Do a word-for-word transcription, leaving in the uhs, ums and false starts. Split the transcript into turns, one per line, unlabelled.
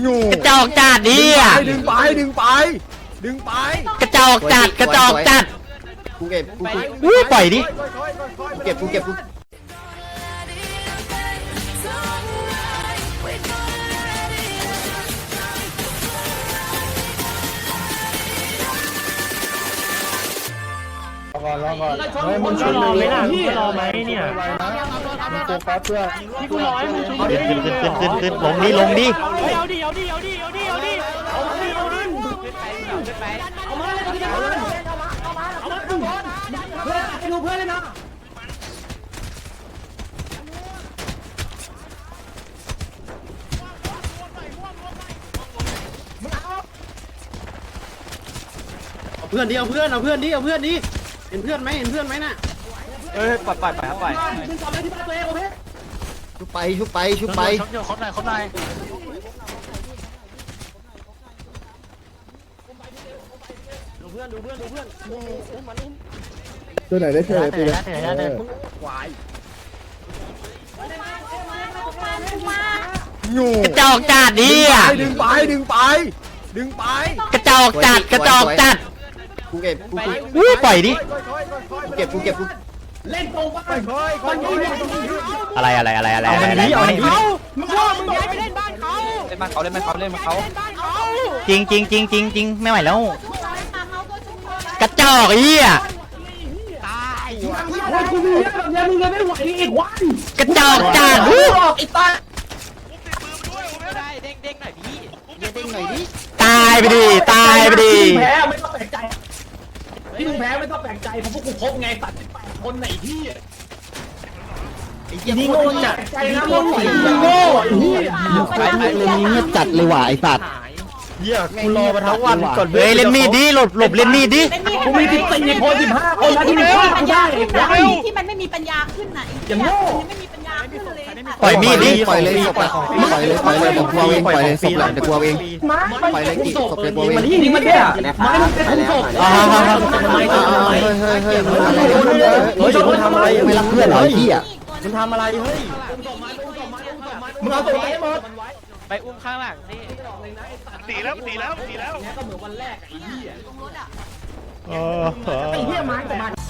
กระจอกจัดดิอ่ะ
ดึงไปดึงไปดึงไป
กระจอกจัดกระจอกจัด
กูเก็บกู
อุ้ยปล่อยดิ
เก็บกูเก็บกู
ก่อนรอก่อน
เฮ้ยมึงรอไหมล่ะมึงรอไหมเนี่ย
มึงโฟกัสเพื่อ
พี่กูรอให้มึงชุบ
ขึ้นขึ้นขึ้นขึ้นขึ้นลงดิลงดิ
เอาดิเอาดิเอาดิเอาดิเอาดิเอาดิเอาดิเอามาเลยเอามาเอามาเพื่อนไปดูเพื่อนเลยนะ
เพื่อนดิเอาเพื่อนเอาเพื่อนดิเอาเพื่อนดิเห็นเพื่อนไหมเห็นเพื่อนไหมน่ะ
เอ้ยปล่อยปล่อยปล่อยปล่อย
ขึ้นต่อเลยที่บ้านตัวเองโอเค
ชุบไปชุบไปชุบไป
เขาหน่อยเขาหน่อย
ดูเพื่อนดูเพื่อนดูเพื่อน
ตัวไหนได้เท่าไหร่ตัวไหน
กระจอกจัดดิอ่ะ
ดึงไปดึงไปดึงไป
กระจอกจัดกระจอกจัด
กูเก็บกู
อุ้ยปล่อยดิ
เก็บกูเก็บกู
เล่นตรงไป
ค่อยค่อยค่อย
อะไรอะไรอะไรอะไรอะไรอะไร
เขามึงว่ามึงย้ายไปเล่นบ้านเขา
เล่นบ้านเขาเล่นบ้านเขาเล่นบ้านเขา
เล่นบ้านเขา
จริงจริงจริงจริงจริงไม่ไหวแล้วกระจอกไอ้เหี้ย
โอ้ยกูมีเรื่องแบบนี้มึงเลยไม่ไหวอีกวัน
กระจอกจัดอู้
ไอ้ตา
เด้งหน่อยดิ
ตายไปดิตายไปดิ
แพ้ไม่ต้องแปลกใจที่มึงแพ้ไม่ต้องแปลกใจเพราะพวกกูครบไงตัดสิบแปดคนไหนที่
นี่โง่จัด
ใจนะมึงไหว
โง่เฮียไอ้ไอ้เรื่องนี้เงียบจัดเลยว่ะไอ้สัตว์
เหี้ยกูรอมาทั้งวันก่อน
เฮ้ยเล่นมีดดิหลบหลบเล่นมีดดิ
กูมีสิบสี่คนสิบห้าคนนะที่มึงฆ่ากูได้ไอ้
ที่มันไม่มีปัญญาขึ้นน่ะ
อย่างโง่
มันไม่มีปัญญาขึ้นเลย
ปล่อยมีดดิ
ปล่อยเลยศพปล่อยเลยปล่อยเลยผมกลัวเองปล่อยเลยศพหลังจะกลัวเอง
มา
ปล่อยเลยกี่ศพจะกลัวเอง
มันนี่มันเนี่ยไม้มันเป็นถุงศพ
อ่าฮะฮะฮะ
เฮ้ยเฮ้ยเฮ้ยมึงอะไร
เฮ้ยมึงทำอะไรไม่รักเพื่อนเหรอไอ้เหี้ยมึงทำอะไรเฮ้ย
มึงเอาตัวไปหมด
ไปอุ้มข้างหลังสิ
ตีแล้วตีแล้วตีแล้วก็เหมือนวันแรกไอ้เหี้ย
เออ
ไอ้เหี้ยไม้กับมัน